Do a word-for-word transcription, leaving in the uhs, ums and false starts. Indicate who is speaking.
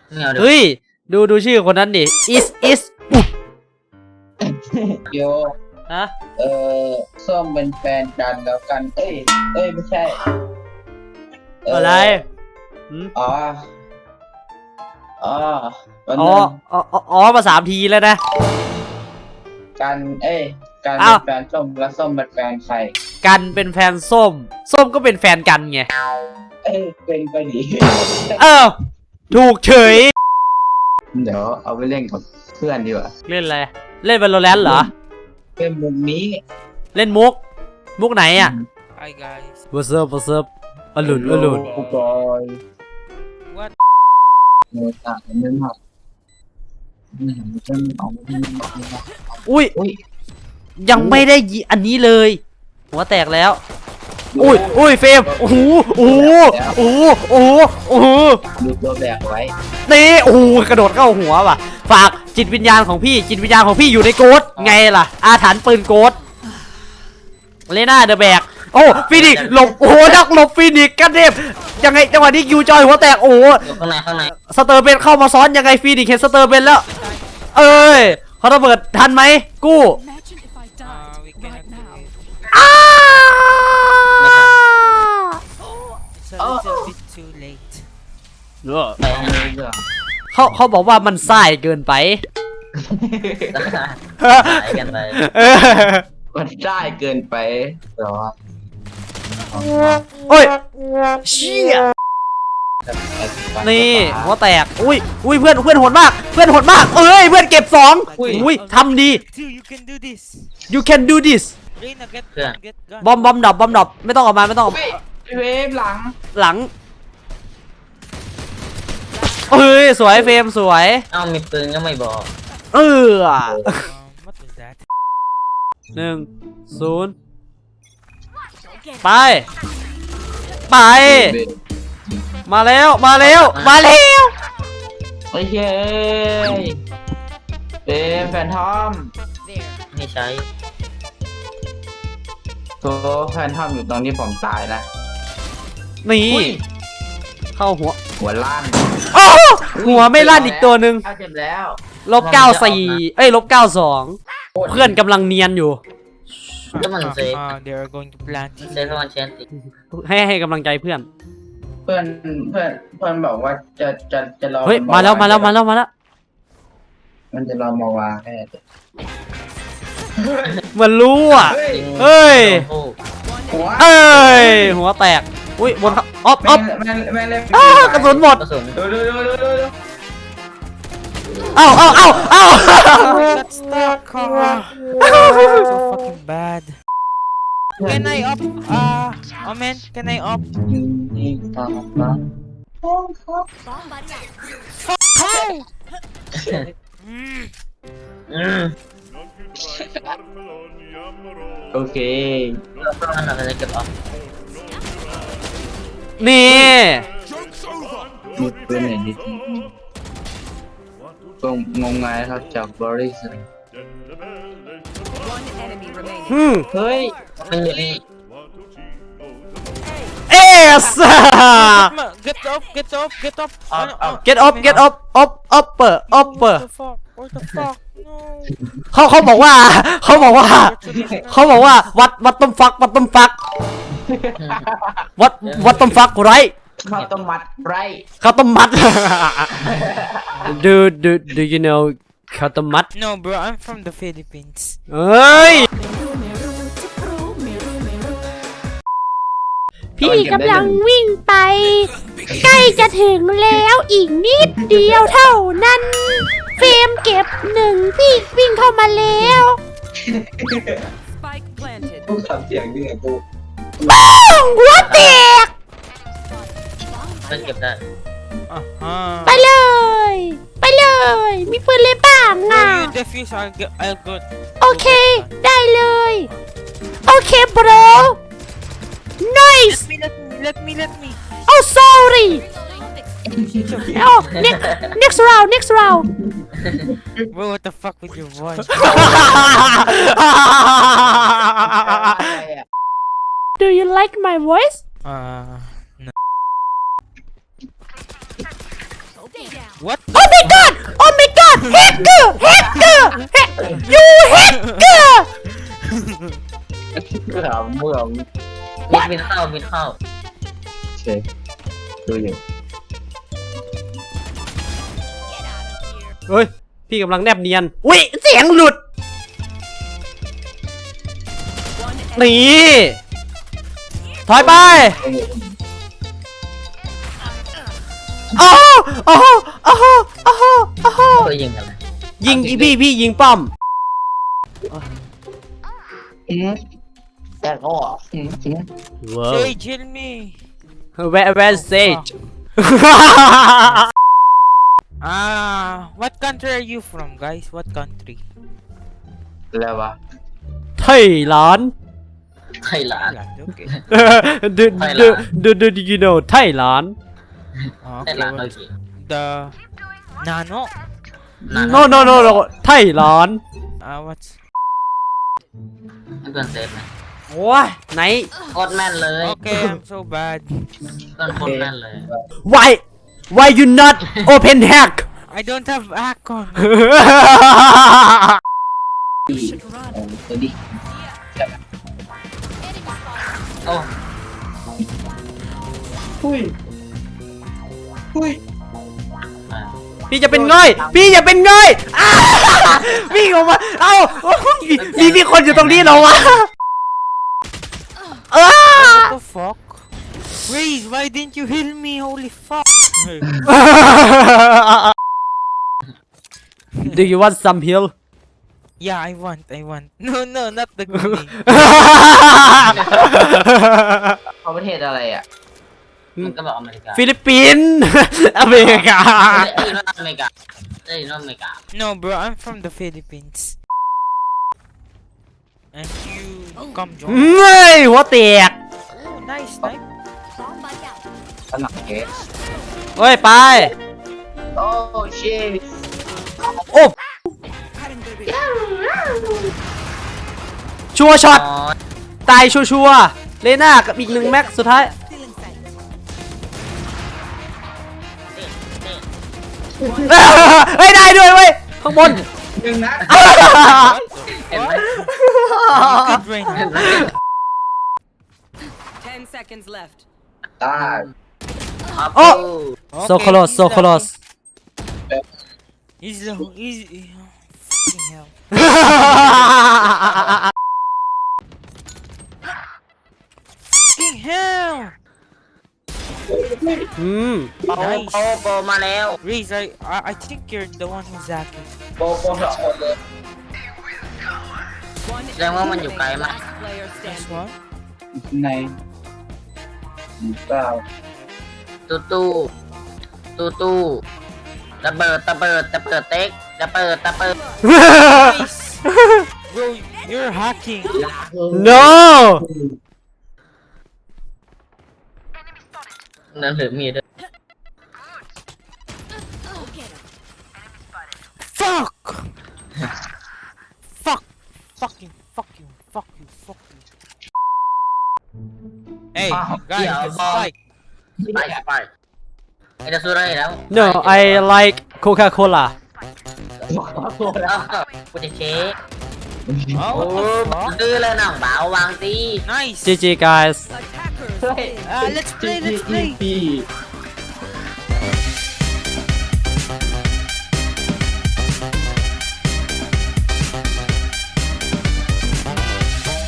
Speaker 1: เฮ้ยดูดูชื่อคนนั้นดิ is is
Speaker 2: โย
Speaker 1: ฮะ
Speaker 2: เออส้มเป็นแฟนกันแล้วกันเอ้ยเอ้ยไม่ใช่
Speaker 1: อะไร
Speaker 2: อ๋ออ๋อ
Speaker 1: อ๋ออ๋ออ๋อมาสามทีแล้วนะ
Speaker 2: กันเอ้ยกันเป็นแฟนส้มแล้วส้มเป็นแฟนใคร
Speaker 1: กันเป็นแฟนส้มส้มก็เป็นแฟนกันไง
Speaker 2: เอ้ยเป็นไปดิ
Speaker 1: เออถูกเฉย
Speaker 2: เดี๋ยวเอาไปเล่นกับเพื่อนดีกว่า
Speaker 1: เล่นอะไรเล่น Valorant เหรอ
Speaker 2: เล่นมุกนี้
Speaker 1: เล่นมุกมุกไหนอ่ะ
Speaker 3: Hi guys
Speaker 1: What's up What's up อลุนอลุน
Speaker 2: บอย
Speaker 3: What
Speaker 2: เนื้อตาเนื้อหนัก
Speaker 1: อุ้ยยังไม่ได้ยิอันนี้เลยหัวแตกแล้วอุ้ยอุ้ยเฟรมโอ้โหโอ้โหโอ้โหโอ้โหโอ้โห
Speaker 2: ดูตัวแบกไว้
Speaker 1: นี่โอ้โหกระโดดเข้าหัวว่ะฝากจิตวิญญาณของพี่จิตวิญญาณของพี่อยู่ในโกดไงล่ะอาถรรพ์ปืนโกดเลน่าเดอะแบกโอ้ฟีนิกหลบโอ้โหนักหลบฟีนิกกันเทพยังไงจังหวะนี้คิวจอยหัวแตกโอ้โห
Speaker 4: ข้างในข้างใน
Speaker 1: สเตอร์เบนเข้ามาซ้อนยังไงฟีนิกเห็นสเตอร์เบนแล้วเอ้ยเขาระเบิดทันไหมกู้อ้าเขาเขาบอกว่ามันส่ายเกินไป
Speaker 4: สายกันไป
Speaker 2: มันได้เกินไปหรอ
Speaker 1: โอ้ยเชี่ยนี่หัวแตกอุ้ยอุ้ยเพื่อนเพื่อนโหดมากเพื่อนโหดมากเอ้ยเพื่อนเก็บสองอุ้ยทำดี you can do this บอมบอมดับบอมดับไม่ต้องออกมาไม่ต้องออก
Speaker 2: เวฟหลัง
Speaker 1: หลังเอ้ยสวยเฟรมสวย
Speaker 4: เอ้ามีปืนก็ไม่บอก
Speaker 1: เออหนึ่งศูนย์ไปไปมาแล้วมาแล้วมาแล้ว
Speaker 2: โอเคเป็นแฟนทอม
Speaker 4: ไม่ใช่
Speaker 2: ตัวแฟนทอมอยู่ตรงที่ผมตายนะ
Speaker 1: นี่เข้าหัว
Speaker 2: หัวล้าน
Speaker 1: หัวไม่ลั่นอีกตัวหนึ่ง
Speaker 2: เจ็บแล้ว
Speaker 1: ลบเก้าสี่เอ้ยลบเก้าสองเพื่อนกำลังเนียนอยู่
Speaker 4: ก็มันเซฟ
Speaker 3: they are going to plant
Speaker 4: เซฟวันเชนติ
Speaker 1: ให้ให้กำลังใจเพื่อน
Speaker 2: เพื่อนเพื่อนเพื่อนบอกว่าจะจะจะรอ
Speaker 1: เฮ้ยมาแล้วมาแล้วมาแล้วมาแล้ว
Speaker 2: มันจะรอมาวางแค่
Speaker 1: เหมือนรู้อ่ะเฮ้ยเอ้ยหัวแตกอุ้ยบนอ๊อฟอ๊อฟกระสุนหมดเอ้าเอ้าเอ้าเอ้า
Speaker 3: so fucking bad can I up uh oh man can I up
Speaker 2: โอเค
Speaker 1: นี่
Speaker 2: มีเพื่อนไหนดิก็งงงายครับจากบริษัท
Speaker 1: เฮ้ย
Speaker 4: มันอยู่นี่
Speaker 1: เอส
Speaker 3: get up get up get up
Speaker 1: get up get up up upper upper เขาเขาบอกว่าเขาบอกว่าเขาบอกว่าวัดวัดต้มฟักวัดต้มฟักวัดวัดต้มฟักไร
Speaker 2: ข้าวต้มมัดไร
Speaker 1: ข้าวต้มมัด do do do you know ข้าวต้มมัด
Speaker 3: no bro I'm from the Philippines
Speaker 1: เอ้ย
Speaker 5: พี่กำลังวิ่งไปใกล้จะถึงแล้วอีกนิดเดียวเท่านั้นเฟรมเก็บหนึ่งพี่วิ่งเข้ามาแล้ว
Speaker 2: กูทำเสียงดีกู
Speaker 5: บ้องหัวแตก
Speaker 4: มันเก็บได้
Speaker 5: ไปเลยไปเลยมีปืนเลยบ้างอ่ะโอเคได้เลยโอเค bro nice
Speaker 3: let me let me let me let me
Speaker 5: oh sorry oh next next round next round
Speaker 3: bro what the fuck with your voice
Speaker 5: do you like my voice
Speaker 3: uh no What?
Speaker 1: Oh my god Oh my god Hacker Hacker You hacker
Speaker 2: เมื่อเมื่อ
Speaker 4: มิดมิดเข้ามิดเข้า
Speaker 2: เช็คดูอยู่
Speaker 1: เฮ้ย พี่กำลังแนบเนียนอุ้ยเสียงหลุด นี่ ถอยไปอ้าวอ้าวอ้าวอ้าวอ้าว
Speaker 4: เคยยิงกันเลย
Speaker 1: ยิงพี่พี่ยิงป้อม
Speaker 2: อืมแต่ก็อืมอืม
Speaker 1: ว้าว
Speaker 3: Sage, heal me.
Speaker 1: Where where Sage
Speaker 3: Ah, what country are you from, guys? What country?
Speaker 2: แล้ววะ
Speaker 1: ไทยหลาน
Speaker 4: ไทยหลาน
Speaker 3: Thailand. Okay.
Speaker 1: do
Speaker 4: Thailand.
Speaker 1: do do do do you know ไทยหลาน
Speaker 4: ไทยหลานโอ
Speaker 3: Okay.
Speaker 4: เค
Speaker 3: The nano.
Speaker 4: นาน
Speaker 1: no no no no ไทยหลาน
Speaker 3: Uh, what's?
Speaker 4: ให้เพื่อนเซฟไหม
Speaker 1: โอ้ยไหน
Speaker 4: โคตรแม่นเลย
Speaker 3: Okay, I'm so bad.
Speaker 4: เพื่อนโคตรแม่นเลย
Speaker 1: why why you not open hack
Speaker 3: I don't have hack on.
Speaker 2: ดีเออดี
Speaker 4: โอ้
Speaker 2: หุ้ยหุ้ย
Speaker 4: อ่า
Speaker 1: พี่จะเป็นง่อยพี่อย่าเป็นง่อยอ้าวิ่งออกมาเอ้ามีมีคนอยู่ตรงนี้เหรอวะอ้า
Speaker 3: What the fuck? Raze, why didn't you heal me? Holy fuck.
Speaker 1: Do you want some heal
Speaker 3: Yeah, I want, I want. No, no, not the grenade.
Speaker 2: เขาประเทศอะไรอ่ะ
Speaker 4: มันก็บอกอเมริกา
Speaker 1: ฟิลิปปินส์อเมริกา
Speaker 4: เอ้ยอเมริกาเอ้ยอเมริกา
Speaker 3: No, bro, I'm from the Philippines. And you come join.
Speaker 1: เฮ้ยหัวแตก
Speaker 3: Oh, nice snipe.
Speaker 2: สนับเกส
Speaker 1: เฮ้ยไป
Speaker 2: โอ้เช่
Speaker 1: โอ้ชัวร์ช็อต
Speaker 4: อ๋อ
Speaker 1: ตายชัวชัวร์ๆเลน่ากับอีกหนึ่งแม็กสุดท้าย
Speaker 4: นี่นี่
Speaker 1: เฮ้ยได้ด้วยเว้ยข้างบน
Speaker 2: หนึ่งนะ
Speaker 4: เห็นไหม
Speaker 3: Good brain.
Speaker 4: เห็นไหม
Speaker 5: Ten seconds left.
Speaker 2: ตาย
Speaker 4: ครับ
Speaker 1: โอ้
Speaker 3: Okay,
Speaker 1: so close
Speaker 3: he's
Speaker 1: so
Speaker 3: low.
Speaker 1: close
Speaker 3: He's low. He's. Fucking hell. Fucking hell.
Speaker 1: อืม
Speaker 4: โปโปโปมาแล้ว
Speaker 3: Raze, I, I I think you're the one who's hacking.
Speaker 2: โปโปสองคนเลย
Speaker 5: One
Speaker 4: แสดงว่ามันอยู่ไกลมาก
Speaker 5: last player
Speaker 3: This
Speaker 5: standing.
Speaker 3: one.
Speaker 2: ในเปล่า
Speaker 4: ตู้ตู้ตู้ตู้ระเบิดระเบิดระเบิดเต็กระเบิดระเบิด
Speaker 3: Nice. Bro, you're hacking.
Speaker 1: no
Speaker 4: นั่นหรือมีด้วย
Speaker 3: Fuck. Fuck. Fucking. Fuck you. Fuck you. Fuck you. Hey, guys,
Speaker 4: yeah,
Speaker 3: let's
Speaker 4: um,
Speaker 3: fight.
Speaker 4: ไปไปไอ้จะสู้ได้แล้ว
Speaker 1: no I like Coca Cola
Speaker 4: กูจะเช็ค
Speaker 3: Oh,
Speaker 4: โอ้
Speaker 3: what the fuck?
Speaker 4: ดื้อเลยน้องบ่าววางตี
Speaker 3: Nice.
Speaker 1: จีจี guys
Speaker 5: Attackers.
Speaker 2: เฮ้ย
Speaker 3: Uh, let's play. Let's play.
Speaker 2: พี่